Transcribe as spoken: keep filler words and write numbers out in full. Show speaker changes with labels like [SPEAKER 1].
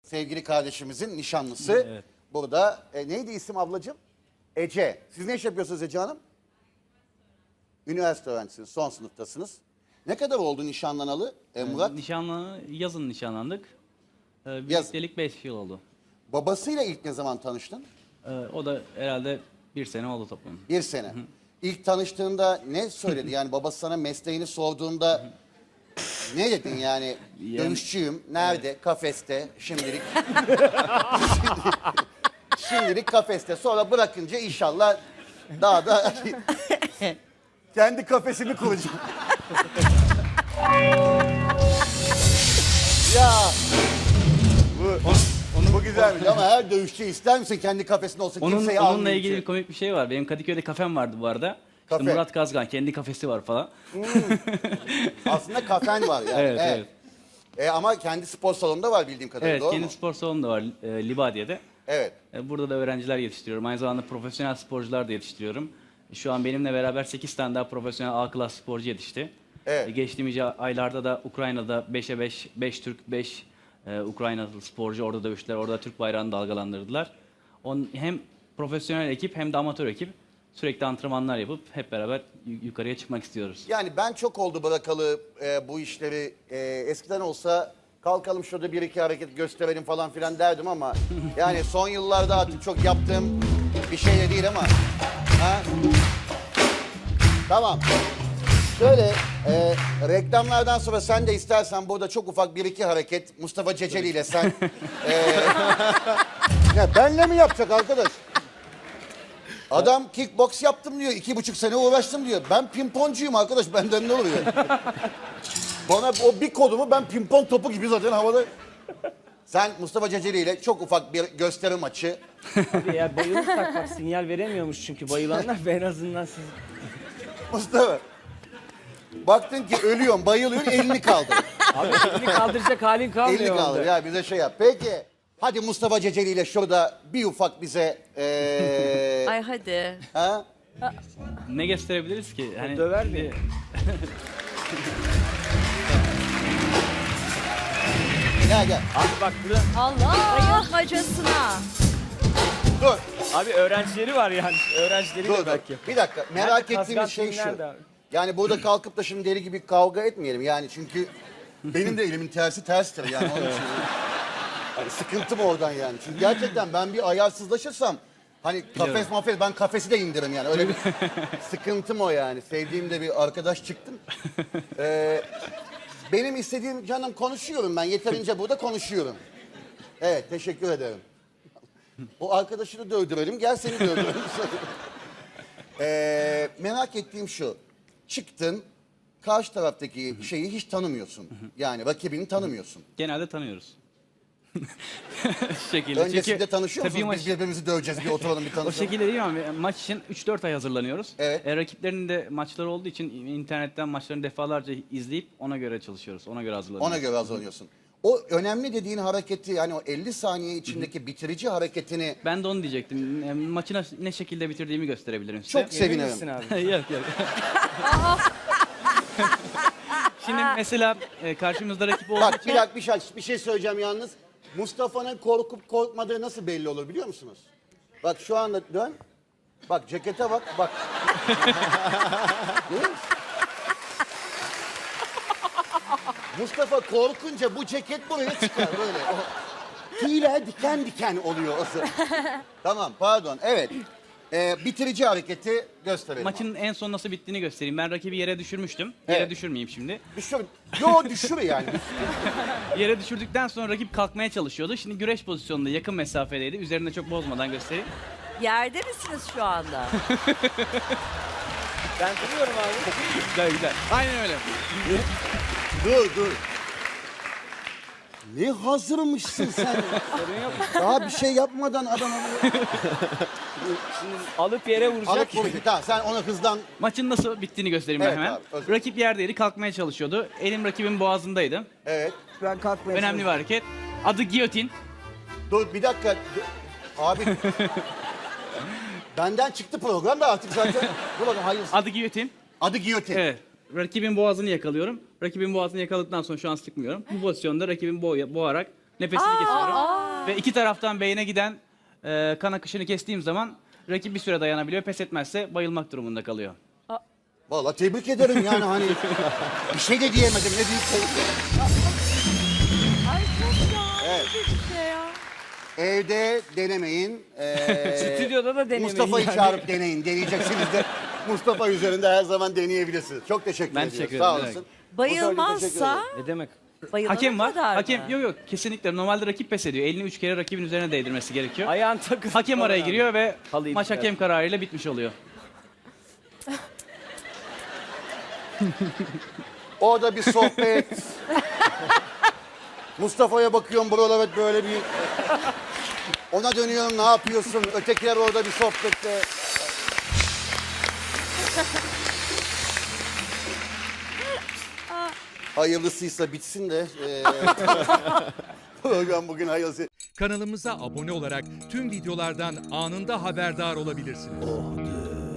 [SPEAKER 1] sevgili kardeşimizin nişanlısı.
[SPEAKER 2] Evet.
[SPEAKER 1] Burada e, neydi isim ablacığım? Ece. Siz ne iş yapıyorsunuz Ece Hanım? Üniversite öğrencisiniz, son sınıftasınız. Ne kadar oldu nişanlanalı e, Murat?
[SPEAKER 2] Nişanlı, yazın nişanlandık. Ee,
[SPEAKER 1] Yaz.
[SPEAKER 2] birliktelik beş yıl oldu.
[SPEAKER 1] Babasıyla ilk ne zaman tanıştın?
[SPEAKER 2] Ee, o da herhalde bir sene oldu toplam.
[SPEAKER 1] Bir sene. İlk tanıştığında ne söyledi? Yani babası sana mesleğini sorduğunda ne dedin yani?
[SPEAKER 2] Yani-
[SPEAKER 1] Dövüşçüyüm. Nerede? Kafeste. Şimdilik. Şimdilik kafeste. Sonra bırakınca inşallah daha da kendi kafesini kuracağım. Ya bu, bu güzelmiş ama her dövüşçü ister misin kendi kafesinde olsun
[SPEAKER 2] Onun,
[SPEAKER 1] kimseyi
[SPEAKER 2] onunla
[SPEAKER 1] almayayım
[SPEAKER 2] ilgili
[SPEAKER 1] ki.
[SPEAKER 2] bir komik bir şey var. Benim Kadıköy'de kafem vardı bu arada. İşte
[SPEAKER 1] Kafe.
[SPEAKER 2] Murat Kazgan kendi kafesi var falan.
[SPEAKER 1] Aslında kafen var yani.
[SPEAKER 2] Evet, evet.
[SPEAKER 1] E, ama kendi spor salonunda var bildiğim kadarıyla,
[SPEAKER 2] Evet,
[SPEAKER 1] doğru
[SPEAKER 2] kendi
[SPEAKER 1] mu?
[SPEAKER 2] spor salonu da var e, Libadiye'de.
[SPEAKER 1] Evet.
[SPEAKER 2] E, burada da öğrenciler yetiştiriyorum. Aynı zamanda profesyonel sporcular da yetiştiriyorum. Şu an benimle beraber sekiz tane daha profesyonel A klas sporcu yetişti.
[SPEAKER 1] Evet.
[SPEAKER 2] E, geçtiğimiz aylarda da Ukrayna'da beşe beş, beş Türk, beş e, Ukraynalı sporcu orada dövüştüler. Orada Türk bayrağını dalgalandırdılar. On, hem profesyonel ekip hem de amatör ekip sürekli antrenmanlar yapıp hep beraber yu- yukarıya çıkmak istiyoruz.
[SPEAKER 1] Yani ben çok oldu bırakalı e, bu işleri. E, eskiden olsa kalkalım şurada bir iki hareket gösterelim falan filan derdim ama yani son yıllarda artık çok yaptığım bir şey de değil ama. Ha? Tamam. Şöyle e, reklamlardan sonra sen de istersen burada çok ufak bir iki hareket Mustafa Ceceli ile sen. e, ya benle mi yapacak arkadaş? Adam kickbox yaptım diyor, iki buçuk sene uğraştım diyor. Ben pimponcuyum arkadaş, benden ne oluyor? Bana o bir kodumu ben pimpon topu gibi zaten havada. Sen Mustafa Ceceli ile çok ufak bir gösteri maçı.
[SPEAKER 3] Abi ya bayılırsak bak sinyal veremiyormuş çünkü bayılanlar ve en azından siz...
[SPEAKER 1] Mustafa. Baktın ki ölüyorum, bayılıyorum, elini kaldır.
[SPEAKER 3] Abi elini kaldıracak halin kalmıyor
[SPEAKER 1] elini kaldır
[SPEAKER 3] orada.
[SPEAKER 1] ya, bize şey yap. Peki, hadi Mustafa Ceceli ile şurada bir ufak bize... Ee,
[SPEAKER 4] Ay hadi.
[SPEAKER 1] ha?
[SPEAKER 2] Ne gösterebiliriz ki? Hani
[SPEAKER 3] döver
[SPEAKER 2] şimdi-
[SPEAKER 3] mi?
[SPEAKER 1] Gel gel.
[SPEAKER 3] Abi bak burada
[SPEAKER 4] Allah. Bayılmacasına.
[SPEAKER 1] Dur,
[SPEAKER 3] abi öğrencileri var yani. Öğrencileri
[SPEAKER 1] dur,
[SPEAKER 3] de
[SPEAKER 1] dur.
[SPEAKER 3] belki.
[SPEAKER 1] Bir dakika, merak
[SPEAKER 3] Nerede
[SPEAKER 1] ettiğimiz
[SPEAKER 3] Kazgan
[SPEAKER 1] şey
[SPEAKER 3] Team
[SPEAKER 1] şu.
[SPEAKER 3] nerede abi?
[SPEAKER 1] Yani burada kalkıp da şimdi deli gibi kavga etmeyelim yani çünkü benim de elimin tersi terstir yani onun için. Hani sıkıntım oradan yani. Çünkü gerçekten ben bir ayarsızlaşırsam hani kafes
[SPEAKER 2] Biliyorum.
[SPEAKER 1] mafes ben kafesi de indiririm yani öyle bir sıkıntım o yani. Sevdiğim de bir arkadaş çıktım. Ee, benim istediğim canım konuşuyorum ben yeterince burada konuşuyorum. Evet teşekkür ederim. O arkadaşını dövdürelim gel seni dövdürelim. Ee, merak ettiğim şu. Çıktın, karşı taraftaki şeyi hiç tanımıyorsun. Yani rakibini tanımıyorsun.
[SPEAKER 2] genelde tanıyoruz. Şu şekilde.
[SPEAKER 1] Öncesinde
[SPEAKER 2] Çünkü
[SPEAKER 1] tanışıyor
[SPEAKER 2] tabii
[SPEAKER 1] musunuz?
[SPEAKER 2] maç-
[SPEAKER 1] Biz birbirimizi döveceğiz, bir oturalım bir
[SPEAKER 2] O
[SPEAKER 1] tanışalım.
[SPEAKER 2] şekilde değil ama maç için üç dört ay hazırlanıyoruz.
[SPEAKER 1] Evet.
[SPEAKER 2] E, rakiplerin de maçları olduğu için internetten maçlarını defalarca izleyip ona göre çalışıyoruz. Ona göre hazırlanıyoruz.
[SPEAKER 1] Ona göre hazırlanıyorsun. O önemli dediğin hareketi, yani o elli saniye içindeki bitirici hareketini
[SPEAKER 2] Ben de onu diyecektim. E, maçı na- ne şekilde bitirdiğimi gösterebilirim size.
[SPEAKER 1] çok sevinirim.
[SPEAKER 3] Emin misin abi?
[SPEAKER 2] yok yok. Şimdi mesela e, karşımızda rakip olduğu
[SPEAKER 1] Bak
[SPEAKER 2] için...
[SPEAKER 1] bir dakika bir şey, bir şey söyleyeceğim yalnız. Mustafa'nın korkup korkmadığı nasıl belli olur biliyor musunuz? Bak şu anda dön. Bak cekete bak, bak. Görüyor musun? Mustafa korkunca bu ceket buraya çıkar böyle. O tüyler diken diken oluyor o sırada. Tamam pardon evet. Ee, bitirici hareketi gösterelim.
[SPEAKER 2] Maçın en son nasıl bittiğini göstereyim. Ben rakibi yere düşürmüştüm. Yere
[SPEAKER 1] Evet.
[SPEAKER 2] düşürmeyeyim şimdi.
[SPEAKER 1] Düşür. Yo düşür yani.
[SPEAKER 2] Yere düşürdükten sonra rakip kalkmaya çalışıyordu. Şimdi güreş pozisyonunda yakın mesafedeydi. Üzerinde çok bozmadan göstereyim.
[SPEAKER 4] Yerde misiniz şu anda?
[SPEAKER 3] Ben duruyorum abi.
[SPEAKER 2] Güzel güzel. Aynen öyle.
[SPEAKER 1] dur dur. Ne hazırmışsın sen?
[SPEAKER 3] Sorun yok.
[SPEAKER 1] Daha bir şey yapmadan adam alıyor.
[SPEAKER 3] Şimdi alıp yere vuracak.
[SPEAKER 1] Alıp vuracak. Tamam sen ona hızdan...
[SPEAKER 2] Maçın nasıl bittiğini göstereyim
[SPEAKER 1] Evet
[SPEAKER 2] ben hemen.
[SPEAKER 1] abi, özür dilerim.
[SPEAKER 2] Rakip yerdeydi, kalkmaya çalışıyordu. Elim rakibin boğazındaydı.
[SPEAKER 1] Evet.
[SPEAKER 3] Ben kalkmaya
[SPEAKER 2] Önemli bir hareket. Adı giyotin.
[SPEAKER 1] Dur bir dakika. Dur. Abi. Benden çıktı program da artık zaten. Dur bakayım hayır.
[SPEAKER 2] Adı giyotin.
[SPEAKER 1] Adı giyotin.
[SPEAKER 2] Evet. Rakibin boğazını yakalıyorum. Rakibin boğazını yakaladıktan sonra şu an sıkmıyorum. Bu pozisyonda rakibin boğ boğarak nefesini kesiyorum. Ve iki taraftan beyine giden e, kan akışını kestiğim zaman rakip bir süre dayanabiliyor. Pes etmezse bayılmak durumunda kalıyor.
[SPEAKER 1] Vallahi tebrik ederim yani hani bir şey de diyemedim ne büyük şey.
[SPEAKER 4] Ay çok ya.
[SPEAKER 1] Evet.
[SPEAKER 4] Bir şey ya.
[SPEAKER 1] Evde denemeyin. Ee,
[SPEAKER 3] Stüdyoda da denemeyin
[SPEAKER 1] Mustafa'yı
[SPEAKER 3] yani.
[SPEAKER 1] çağırıp deneyin. Deneyeceksiniz de Mustafa üzerinde her zaman deneyebilirsiniz. Çok teşekkür
[SPEAKER 2] Ben
[SPEAKER 1] ediyorum.
[SPEAKER 2] teşekkür
[SPEAKER 1] Sağ
[SPEAKER 2] ederim.
[SPEAKER 1] olasın.
[SPEAKER 4] Bayılmazsa
[SPEAKER 3] Ne demek?
[SPEAKER 4] bayılana
[SPEAKER 2] Hakem var.
[SPEAKER 4] kadar
[SPEAKER 2] Hakem
[SPEAKER 4] mı?
[SPEAKER 2] yok yok kesinlikle normalde rakip pes ediyor. Elini üç kere rakibin üzerine değdirmesi gerekiyor.
[SPEAKER 3] Ayağın takılı.
[SPEAKER 2] Hakem araya giriyor ve
[SPEAKER 3] Halıyı
[SPEAKER 2] maç
[SPEAKER 3] itiraz.
[SPEAKER 2] hakem kararıyla bitmiş oluyor.
[SPEAKER 1] Orada bir sohbet. Mustafa'ya bakıyorum buralar evet böyle bir... Ona dönüyorum ne yapıyorsun? Ötekiler orada bir sohbette. Hayırlısıysa bitsin de. eee, program bugün hayırlısı.
[SPEAKER 5] Kanalımıza abone olarak tüm videolardan anında haberdar olabilirsiniz.